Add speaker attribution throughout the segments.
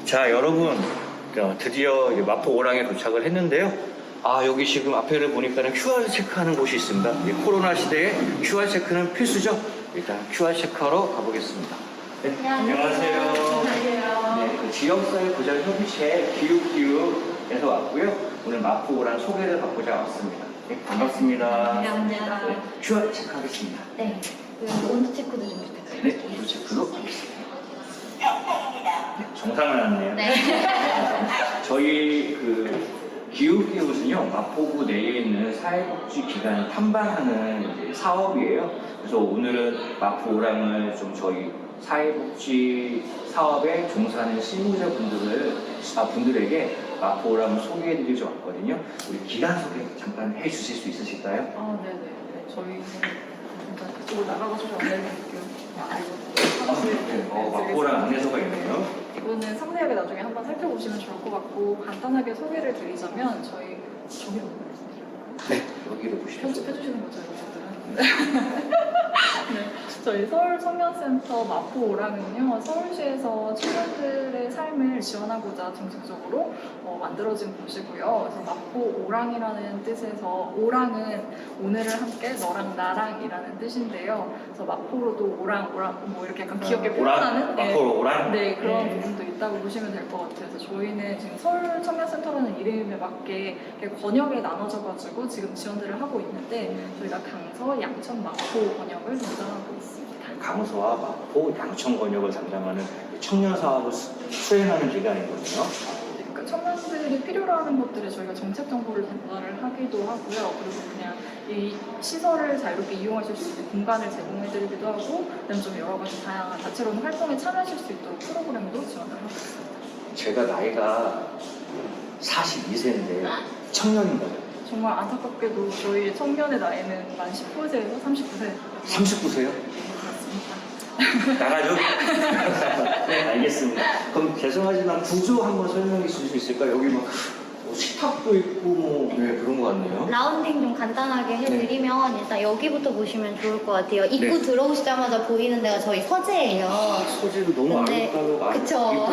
Speaker 1: 자, 여러분, 드디어 마포 오랑에 도착을 했는데요. 여기 지금 앞에를 보니까는 QR 체크하는 곳이 있습니다. 코로나 시대에 QR 체크는 필수죠. 일단 QR 체크하러 가보겠습니다. 네, 안녕하세요. 네, 그 지역사회 보장 협의체 기육기육에서 왔고요. 오늘 마포 오랑 소개를 받고자 왔습니다. 네, 반갑습니다.
Speaker 2: 감사합니다.
Speaker 1: 네, QR 체크하겠습니다.
Speaker 2: 네, 온도 체크도 좀 부탁드립니다.
Speaker 1: 네, 온도 체크로 하겠습니다. 네, 정상을 왔네요.
Speaker 2: 네.
Speaker 1: 저희 기육기육은요, 마포구 내에 있는 사회복지기관을 탐방하는 사업이에요. 그래서 오늘은 마포 오랑을 좀 저희 사회복지 사업에 종사하는 분들에게 마포 오랑을 소개해드리려고 왔거든요. 우리 기관 소개 잠깐 해주실 수 있으실까요?
Speaker 2: 네네. 저희는 잠깐 그쪽으로 나가서 좀 안내해드릴게요.
Speaker 1: 네, 마포 오랑 안내소가 있네요.
Speaker 2: 이거는 상세하게 나중에 한번 살펴보시면 좋을 것 같고 간단하게 소개를 드리자면 저기로 말씀드릴까요?
Speaker 1: 네, 여기로 보시죠.
Speaker 2: 편집해주시는 거죠, 여러분들은? 네, 저희 서울 청년센터 마포 오랑은요, 서울시에서 청년들의 삶을 지원하고자 정책적으로 만들어진 곳이고요. 그래서 마포 오랑이라는 뜻에서 오랑은 오늘을 함께 너랑 나랑이라는 뜻인데요. 그래서 마포로도 오랑 뭐 이렇게 약간 귀엽게 표현하는
Speaker 1: 마포로 오랑?
Speaker 2: 네, 그런 부분도 있다고 보시면 될 것 같아요. 그래서 저희는 지금 서울 청년센터라는 이름에 맞게 이렇게 권역에 나눠져가지고 지금 지원들을 하고 있는데 저희가 강서, 양천, 마포 권역을 담당하고 있습니다.
Speaker 1: 강서와 마포, 양천 권역을 담당하는 청년 사업을 수행하는 기관이거든요.
Speaker 2: 그러니까 청년들이 필요로 하는 것들에 저희가 정책 정보를 전달을 하기도 하고요. 그리고 그냥 이 시설을 자유롭게 이용하실 수 있는 공간을 제공해드리기도 하고, 그다음에 좀 여러 가지 다양한 다채로운 활동에 참여하실 수 있도록 프로그램도 지원을 하고 있습니다.
Speaker 1: 제가 나이가 42세인데 청년인 거예요.
Speaker 2: 정말 안타깝게도 저희 청년의 나이는 만 19세에서 39세.
Speaker 1: 39세요?
Speaker 2: 그렇습니다.
Speaker 1: 나가죠? 네, 알겠습니다. 그럼 죄송하지만 구조 한번 설명해 주실 수 있을까요? 여기 뭐 식탁도 있고 그런 것 같네요.
Speaker 3: 라운딩 좀 간단하게 해드리면 일단 여기부터 보시면 좋을 것 같아요. 입구 들어오시자마자 보이는 데가 저희 서재예요.
Speaker 1: 소재도 너무
Speaker 3: 근데-
Speaker 1: 아름다워.
Speaker 3: 그쵸.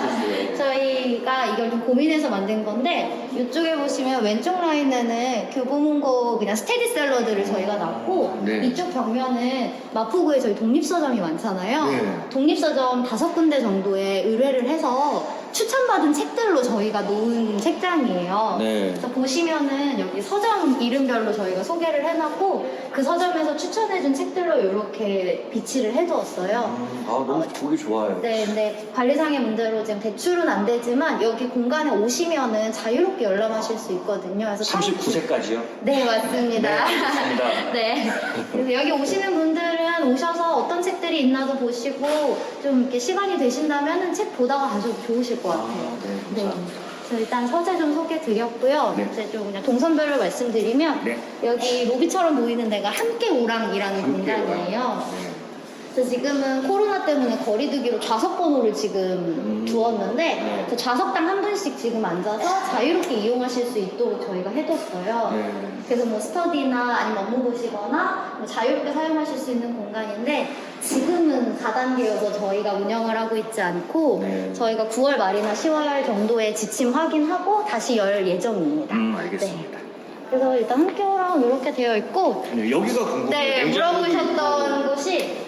Speaker 3: 저희가 이걸 좀 고민해서 만든 건데 이쪽에 보시면 왼쪽 라인에는 교보문고 그냥 스테디셀러들을 저희가 놨고
Speaker 1: 네.
Speaker 3: 이쪽 벽면은 마포구에 저희 독립서점이 많잖아요.
Speaker 1: 네.
Speaker 3: 독립서점 5군데 정도에 의뢰를 해서 추천받은 책들로 저희가 놓은 책장이에요.
Speaker 1: 네.
Speaker 3: 그래서 보시면은 여기 서점 이름별로 저희가 소개를 해놨고 그 서점에서 추천해준 책들로 이렇게 비치를 해두었어요.
Speaker 1: 너무 보기 좋아요.
Speaker 3: 네, 근데 관리상의 문제로 지금 대출은 안 되지만 여기 공간에 오시면은 자유롭게 열람하실 수 있거든요. 그래서
Speaker 1: 39세까지요?
Speaker 3: 네, 맞습니다.
Speaker 1: 네, 알겠습니다.
Speaker 3: 네. 그래서 여기 오시는 분들은 오셔서 어떤 책들이 있나도 보시고 좀 이렇게 시간이 되신다면은 책 보다가 가셔도 좋으실 것 같아요.
Speaker 1: 네, 감사합니다.
Speaker 3: 그래서 일단 서재 좀 소개 드렸고요.
Speaker 1: 네.
Speaker 3: 이제 좀 그냥 동선별로 말씀드리면
Speaker 1: 네.
Speaker 3: 여기 로비처럼 보이는 데가 함께 오랑이라는
Speaker 1: 함께
Speaker 3: 공간이에요.
Speaker 1: 오랑. 네.
Speaker 3: 그래서 지금은 코로나 때문에 거리두기로 좌석 번호를 지금 두었는데
Speaker 1: 네.
Speaker 3: 그 좌석당 한 분씩 지금 앉아서 자유롭게 이용하실 수 있도록 저희가 해뒀어요.
Speaker 1: 네.
Speaker 3: 그래서 뭐 스터디나 아니면 업무 보시거나 뭐 자유롭게 사용하실 수 있는 공간인데 지금은 4단계여서 저희가 운영을 하고 있지 않고
Speaker 1: 네.
Speaker 3: 저희가 9월 말이나 10월 정도에 지침 확인하고 다시 열 예정입니다.
Speaker 1: 알겠습니다.
Speaker 3: 네. 그래서 일단 함께오랑 이렇게 되어 있고
Speaker 1: 네, 여기가 궁금해요.
Speaker 3: 네,
Speaker 1: 냉장고도
Speaker 3: 물어보셨던
Speaker 1: 있고.
Speaker 3: 곳이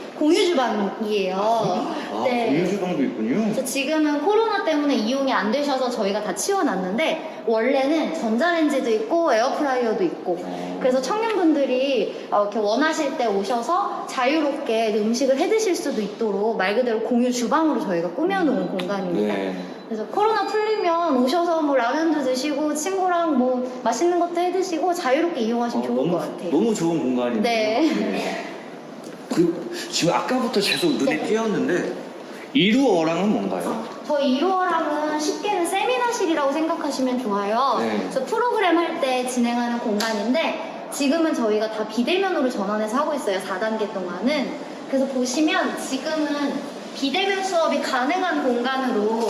Speaker 3: 공유주방이에요. 네.
Speaker 1: 공유주방도 있군요.
Speaker 3: 그래서 지금은 코로나 때문에 이용이 안 되셔서 저희가 다 치워놨는데 원래는 전자레인지도 있고 에어프라이어도 있고 그래서 청년분들이 이렇게 원하실 때 오셔서 자유롭게 음식을 해 드실 수도 있도록 말 그대로 공유 주방으로 저희가 꾸며놓은 공간입니다.
Speaker 1: 네.
Speaker 3: 그래서 코로나 풀리면 오셔서 뭐 라면도 드시고 친구랑 뭐 맛있는 것도 해 드시고 자유롭게 이용하시면 좋을 것 같아요.
Speaker 1: 너무 좋은 공간이네요.
Speaker 3: 네.
Speaker 1: 지금 아까부터 계속 눈에
Speaker 3: 네.
Speaker 1: 띄었는데 이루어랑은 뭔가요?
Speaker 3: 저희 이루어랑은 쉽게는 세미나실이라고 생각하시면 좋아요.
Speaker 1: 네.
Speaker 3: 그래서 프로그램 할 때 진행하는 공간인데 지금은 저희가 다 비대면으로 전환해서 하고 있어요. 4단계 동안은. 그래서 보시면 지금은 비대면 수업이 가능한 공간으로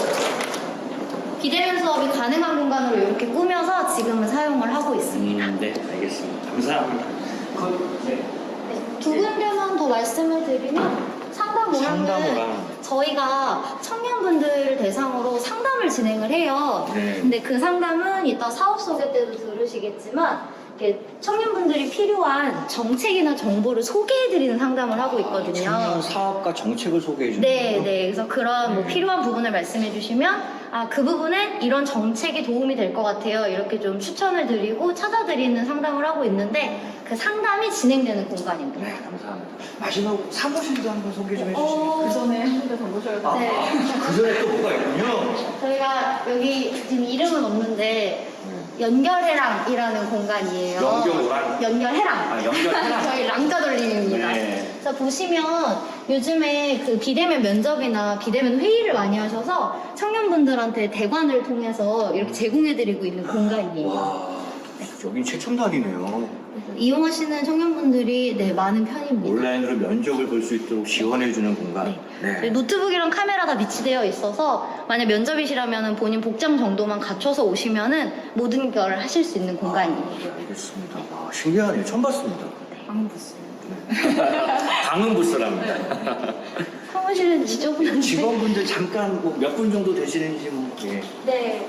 Speaker 3: 이렇게 꾸며서 지금은 사용을 하고 있습니다.
Speaker 1: 네, 알겠습니다. 감사합니다. 네.
Speaker 3: 두 군데만 더 말씀을 드리면 상담 오랑은
Speaker 1: 상담 오랑.
Speaker 3: 저희가 청년분들을 대상으로 상담 진행을 해요.
Speaker 1: 네.
Speaker 3: 근데 그 상담은 이따 사업 소개 때도 들으시겠지만 이렇게 청년분들이 필요한 정책이나 정보를 소개해드리는 상담을 하고 있거든요.
Speaker 1: 청년 사업과 정책을 소개해 주는
Speaker 3: 네,
Speaker 1: 거예요?
Speaker 3: 네. 그래서 그런 뭐 필요한 부분을 말씀해 주시면 그 부분에 이런 정책이 도움이 될 것 같아요. 이렇게 좀 추천을 드리고 찾아드리는 상담을 하고 있는데 그 상담이 진행되는 공간입니다.
Speaker 1: 네, 감사합니다. 마지막으로 사무실도 한번 소개 좀 해주시겠어요?
Speaker 2: 그 전에 한 군데 더 모셔야 돼요.
Speaker 3: 네.
Speaker 1: 그 전에 또 뭐가 있군요.
Speaker 3: 저희가 여기 지금 이름은 없는데 연결해랑이라는 공간이에요.
Speaker 1: 연결오랑?
Speaker 3: 연결해랑.
Speaker 1: 연결해랑.
Speaker 3: 저희 랑자 돌림입니다.
Speaker 1: 네.
Speaker 3: 그래서 보시면 요즘에 그 비대면 면접이나 비대면 회의를 많이 하셔서 청년분들한테 대관을 통해서 이렇게 제공해드리고 있는 공간이에요.
Speaker 1: 와, 여긴 최첨단이네요.
Speaker 3: 이용하시는 청년분들이 네, 많은 편입니다.
Speaker 1: 온라인으로 면접을 볼 수 있도록 지원해주는 공간.
Speaker 3: 저희 노트북이랑 카메라 다 비치되어 있어서 만약 면접이시라면 본인 복장 정도만 갖춰서 오시면은 모든 걸 하실 수 있는 공간이에요.
Speaker 1: 알겠습니다. 와, 신기하네요. 처음 봤습니다.
Speaker 2: 방부스.
Speaker 1: 방음 부스랍니다.
Speaker 3: 사무실은 지저분한데.
Speaker 1: 직원분들 잠깐 뭐 몇 분 정도 되시는지 뭐. 예.
Speaker 3: 네.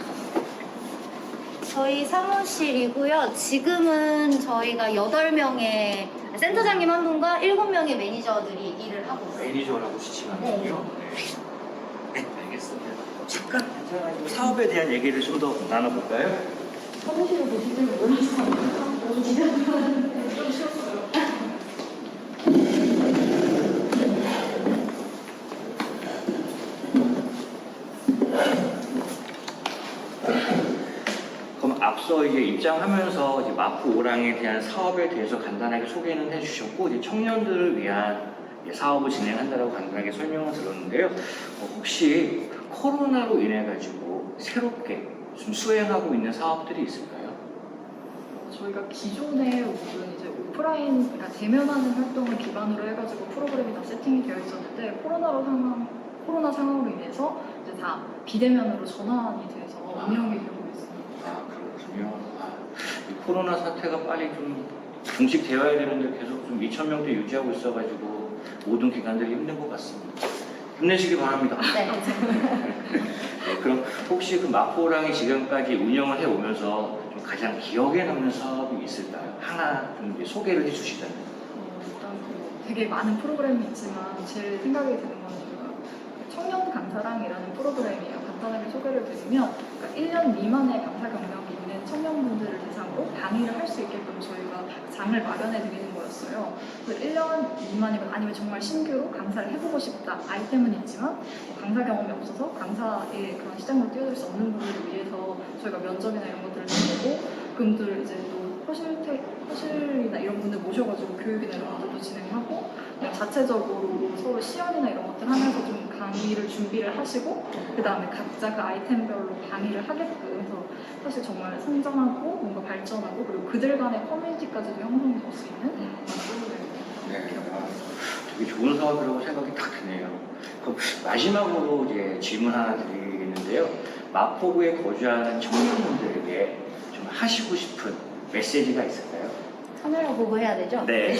Speaker 3: 저희 사무실이고요. 지금은 저희가 8명의 센터장님 한 분과 7명의 매니저들이 일을 하고 있어요.
Speaker 1: 매니저라고 지칭하는군요. 네, 알겠습니다. 잠깐 괜찮아요. 사업에 대한 얘기를 좀 더 나눠볼까요?
Speaker 3: 사무실을 보실 줄 몰라서 너무 기대하는데 좀 쉬웠어요.
Speaker 1: 그럼 앞서 이제 입장하면서 이제 마포 오랑에 대한 사업에 대해서 간단하게 소개는 해주셨고 이제 청년들을 위한 이제 사업을 진행한다라고 간단하게 설명을 들었는데요. 혹시 코로나로 인해 가지고 새롭게 좀 수행하고 있는 사업들이 있을까요?
Speaker 2: 저희가 기존에 모든 이제 오프라인, 그러니까 대면하는 활동을 기반으로 해가지고 프로그램이 다 세팅이 되어 있었는데 코로나 상황으로 인해서 이제 다 비대면으로 전환이 돼서 운영이 되고 있습니다.
Speaker 1: 아, 그렇군요. 이 코로나 사태가 빨리 좀 종식되어야 되는데 계속 좀 2,000명대 유지하고 있어가지고 모든 기관들이 힘든 것 같습니다. 힘내시기 바랍니다.
Speaker 3: 네.
Speaker 1: 네, 그럼 혹시 그 마포랑이 지금까지 운영을 해오면서 좀 가장 기억에 남는 사업이 있을까요? 하나 좀 이제 소개를 해주시자면.
Speaker 2: 일단 되게 많은 프로그램이 있지만 제일 생각이 드는 건 저희가 청년 강사랑이라는 프로그램이에요. 간단하게 소개를 드리면 그러니까 1년 미만의 강사 경력이 있는 청년분들을 대상으로 강의를 할 수 있게끔 저희가 장을 마련해 드리는 거였어요. 그래서 1년 미만이건 아니면 정말 신규로 강사를 해보고 싶다. 아이템은 있지만 강사 경험이 없어서 강사의 그런 시장으로 뛰어들 수 없는 분들을 위해서 저희가 면접이나 이런 것들을 해보고 그분들 이제 또 허실이나 이런 분들 모셔가지고 교육이나 이런 것들도 진행하고 그냥 자체적으로 서로 시연이나 이런 것들 하면서 좀 강의를 준비를 하시고 그 다음에 각자 그 아이템별로 강의를 하게끔 해서 사실 정말 성장하고 뭔가 발전하고 그리고 그들 간의 커뮤니티까지도 형성이 될 수 있는
Speaker 1: 네.
Speaker 2: 프로그램이에요.
Speaker 1: 되게 좋은 사업이라고 생각이 딱 드네요. 그럼 마지막으로 이제 질문 하나 드리겠는데요. 마포구에 거주하는 청년분들에게 좀 하시고 싶은 메시지가 있을까요?
Speaker 3: 카메라 보고 해야 되죠?
Speaker 1: 네.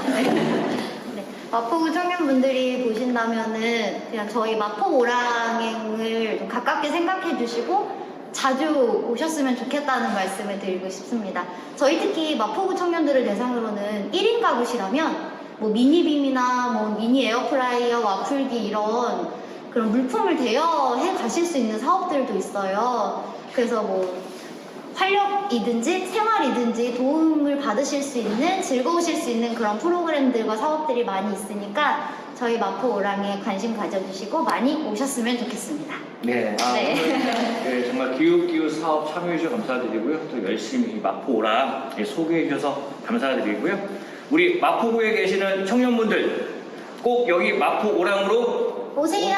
Speaker 3: 네. 마포구 청년분들이 보신다면은 그냥 저희 마포 오랑행을 좀 가깝게 생각해 주시고 자주 오셨으면 좋겠다는 말씀을 드리고 싶습니다. 저희 특히 마포구 청년들을 대상으로는 1인 가구시라면 뭐 미니빔이나 뭐 미니 에어프라이어, 와플기 이런 그런 물품을 대여해 가실 수 있는 사업들도 있어요. 그래서 뭐 활력이든지 생활이든지 도움을 받으실 수 있는 즐거우실 수 있는 그런 프로그램들과 사업들이 많이 있으니까 저희 마포 오랑에 관심 가져주시고 많이 오셨으면 좋겠습니다.
Speaker 1: 네.
Speaker 3: 네.
Speaker 1: 오늘 정말 기웃기웃 사업 참여해주셔서 감사드리고요. 또 열심히 마포 오랑 소개해주셔서 감사드리고요. 우리 마포구에 계시는 청년분들 꼭 여기 마포 오랑으로
Speaker 3: 오세요.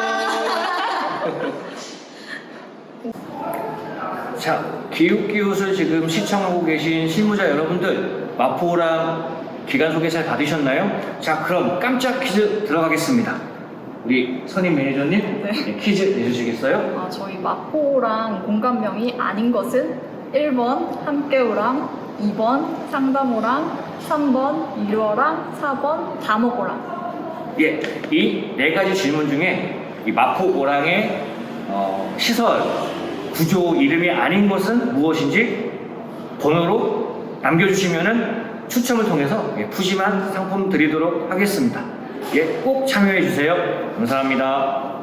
Speaker 1: 자, 기웃기웃을 지금 시청하고 계신 실무자 여러분들, 마포랑 기간 소개 잘 받으셨나요? 자, 그럼 깜짝 퀴즈 들어가겠습니다. 우리 선임 매니저님,
Speaker 2: 네.
Speaker 1: 퀴즈 내주시겠어요?
Speaker 2: 저희 마포랑 공간명이 아닌 것은 1번 함께오랑, 2번 상담오랑, 3번 이루어랑, 4번 다목오랑.
Speaker 1: 예, 이 네 가지 질문 중에 이 마포 오랑의 시설 구조 이름이 아닌 것은 무엇인지 번호로 남겨주시면은 추첨을 통해서 푸짐한 상품 드리도록 하겠습니다. 꼭 참여해 주세요. 감사합니다.